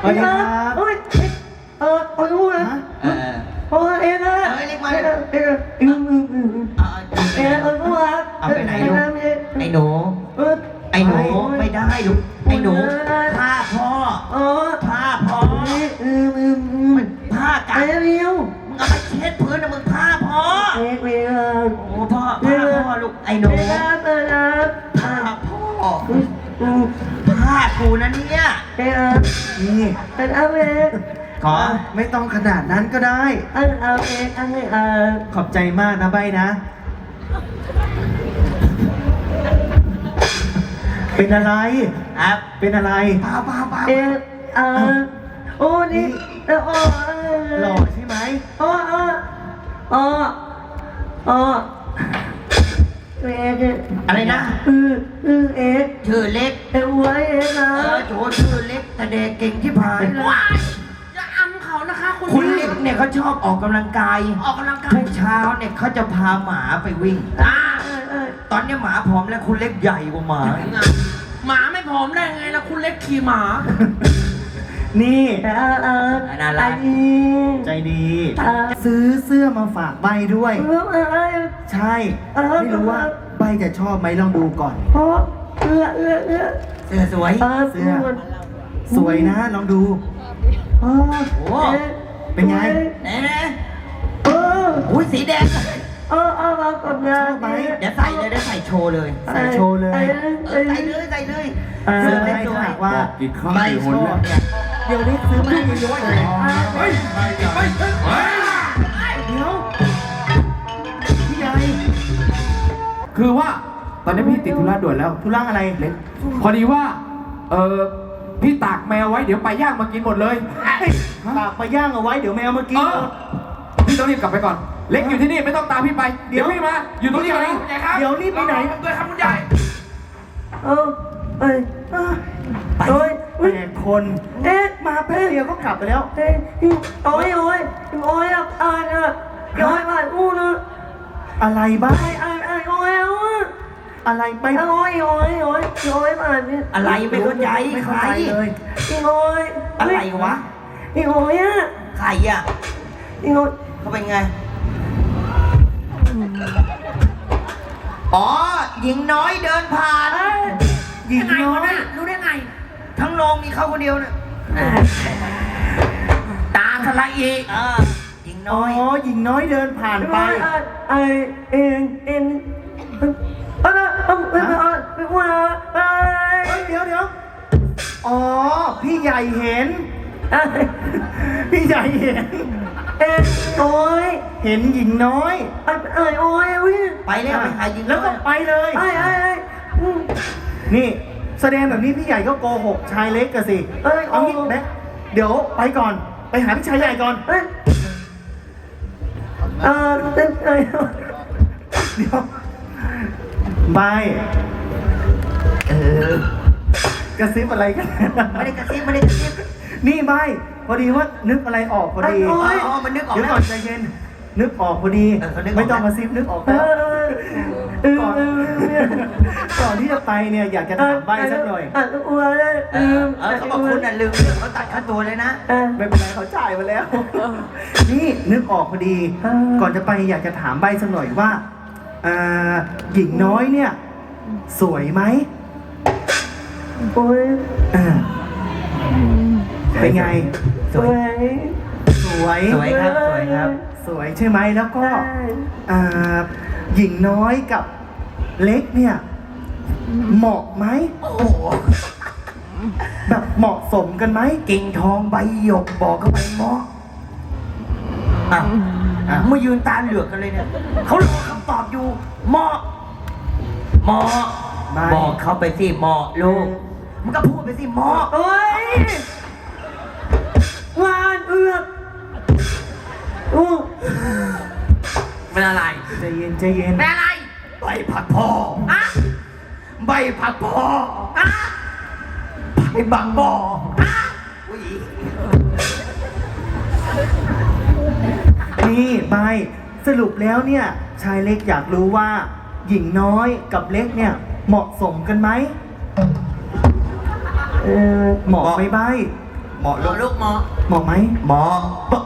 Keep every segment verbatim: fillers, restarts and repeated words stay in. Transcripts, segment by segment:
สวัสดีครับเฮ้ยเออเอาลูกนะเออเออเอ็นนะเอ้ยเล็กมาเอ็นเอ็นอืมอืมอืมเอาเอ็นเอาลูกนะเอาไปไหนลูกไอ้หนูเออไอ้หนูไม่ได้ลูกไอ้หนูผ้าพ่อเออผ้าพ่ออืมอืมอืมผ้ากัไอ้นเร็วมึงเอาไปเช็ดพื้นนะมึงผ้าพ่อเอ็กเร็วโอ้พ่อผ้าพ่อลูกไอ้หนูเอ็นนะเอ็นนะผ้าพ่ออืมอืมผ้ากูนะเนี่ยเอ็นนะนี่เอ็นเอาเอ็นขอไม่ต้องขนาดนั้นก็ได้เอ็นเอาเอ็นอันนี้เอ็นขอบใจมากนะใบนะ เป็นอะไรครับเป็นอะไรเปล่าเปล่าเปล่าเอ็นเอ็นโอ้นี่เอ็นโอ้หล่อใช่ไหมโอ้โอ้โอ้โอ้เอ็นอะไรนะอืออือเอ็นชื่อเล็กเอ็นไว้เอ็นนะเออโถชื่อเล็กแต่เด็กเก่งที่ผายเลยอย่าอำเขานะคะคุณคุณเล็กเนี่ยเขาชอบออกกำลังกายออกกำลังกายทุกเช้าเนี่ยเขาจะพาหมาไปวิ่งอ่าเอ็นเอ็นตอนนี้หมาผอมแล้วคุณเล็กใหญ่กว่าหมาหมาไม่ผอมได้ไงล่ะคุณเล็กขี่หมานี่เอ็นเอ็นน่ารักใจดี ซื้อเสื้อมาฝากใบด้วยเอ็นเอ็นใช่ ไม่รู้ว่าใบจะชอบไหมลองดูก่อนโอ้เอื้อเอื้อเอื้อเสื้อสวยเออเสื้อ สวยนะลองดูโอ้โอ้เป็นไงไหนนะเอออุ้ยสีแดงเออเออเอากับงานไหมเดี๋ยวใส่เลยเดี๋ยวใส่โชว์เลยใส่โชว์เลยเออใส่เลยใส่เลยเออเสื้อเล็กสวยว่ากี่ครั้งใบกี่ชหนอแล้วบเนี่ยเดี๋ยวนี้ซื้อมาให้เยอะๆเลยเฮ้ยเฮ้ยเฮ้ยเดี๋ยวพี่ใหญ่คือว่าตอนนี้พี่ติดธุระด่วนแล้วธุระอะไรเล็กพอดีว่า เออพี่ตากแมวไว้เดี๋ยวไปลาย่างมากินหมดเลยฝากไปย่างเอาไว้เดี๋ยวแมวมากิเอน อพี่ต้องรีบกลับไปก่อน เล็กอยู่ที่นี่ไม่ต้องตามพี่ไป เดี๋ยวพี่มา อยู่ตรงนี้ก่อนนะเดี๋ยวรีบไปไหนด้วยครับคุณใหญ่เออเอ้ยอ่ะโอ้ยแปดคนเอ๊ะมาแป๊บเดียวก็กลับไปแล้วเอ๊ะโอ้ยโอ้ยโอ้ยอ่ะอ่านอ่ะโอ้ยมาอู้นะอะไรบ้าไอ้ไอ้ไอ้โอ้ยอ่ะอะไรไปโอ้ยโอ้ยโอ้ยโอ้ยมาเนี่ยอะไรไม่เข้าใจไม่ใคเข้าร ใจเลยอีโอ้ยอะไรวะอีโอ้ยอ่ะใครอ่ะอีโอ้ยเขาเป็นไง อ๋อ หญิงน้อยเดินผ่านหญิงยังไงน้อวะยเนี่ยรู้ได้ไงทั้งโรงมีเขาคนเดียวเนี่ยตาทะละอีเออหญิงอ๋น้ออยหญิงน้อยเดินผ่านไปไอ้เอ็นเอ็นเออเออเออเออไปว่าไอ้เฮ้ยเดี๋ยวเดี๋ยวอ๋อ พี่ใหญ่เห็น พี่ใหญ่เห็นเอ็นโอ้ยเห็นหญิงน้อยไอ้ไอ้โอ้ยวิ่งไปแล้วไปหาหญิงแล้วน้ก็อยไปเลยไอ้ไอ้ไอ้นี่ แสดงแบบนี้พี่ใหญ่ก็โกหกชายเล็กกันสิเอ้ยเอางี้แบ๊กเดี๋ยวไปก่อน ไปหาพี่ชายใหญ่ก่อนเอ้ยเออเอ้ยเอ้ยเดี๋ยวบายเออกระซิบอะไรกันไม่ได้กระซิบไม่ได้กระซิบนี่บายพอดีว่านึกอะไรออกพอดีอ๋อมันนึกออกเดี๋ยวแล้วก่อนใจเย็น นึกออกพอดีเออเขานึกออกไม่ต้องมาซิบนึกออกเอแล้วอเออก่อนเออก่อนที่จะไปเนี่ยอยากจะถามใบสักหน่อยอ่ะอ้วนเลยเออเออเขาบอกคุณน่ะลืมเรื่องเขาตัดค่าตัวเลยนะเออไม่เป็นไรเขาจ่ายมาแล้ว นี่นึกออกพอดีเออก่อนจะไปอยากจะถามใบสักหน่อยว่าอ่าหญิงน้อยเนี่ย สวยไหมโอ้ยอ่าเป็นไงสวยสวยสวยครับสวยครับสวยใช่ไหมแล้วก็ใช่อ่าหญิงน้อยกับเล็กเนี่ย เหมาะไหมโอ้โหแบบเหมาะสมกันไหมกิ่งทองใบหยกบอกเข้าไปหมออ่ะอ่ะมายืนตาเหลือกกันเลยเนี่ยเขารอคำตอบอยู่หมอหมอไม่บอกเขาไปสิหมอลูกมันก็พูดไปสิหมอโอ้ยหวานเอือกอู้เป็นอะไรใจเย็นใจเย็นเป็นอะไรใบผักพ่ออะใบผักพ่ออะใบบางบ่ออุ้ยนี่ใบสรุปแล้วเนี่ย ชายเล็กอยากรู้ว่า หญิงน้อยกับเล็กเนี่ย เหมาะสมกันไหมเออเหมาะไหมใบเหมาะหมอลูลูกกหมอเหมาะไหมเหมาะ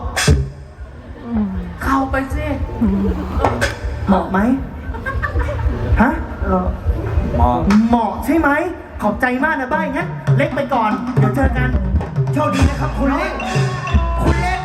เข้าไปสิเหมาะไหมฮะเออเหมาะเหมาะใช่ไหมขอบใจมากนะบ้ายงั้นเล็กไปก่อนเดี๋ยวเจอกันโชคดีนะครับคุณเล็กคุณเล็ก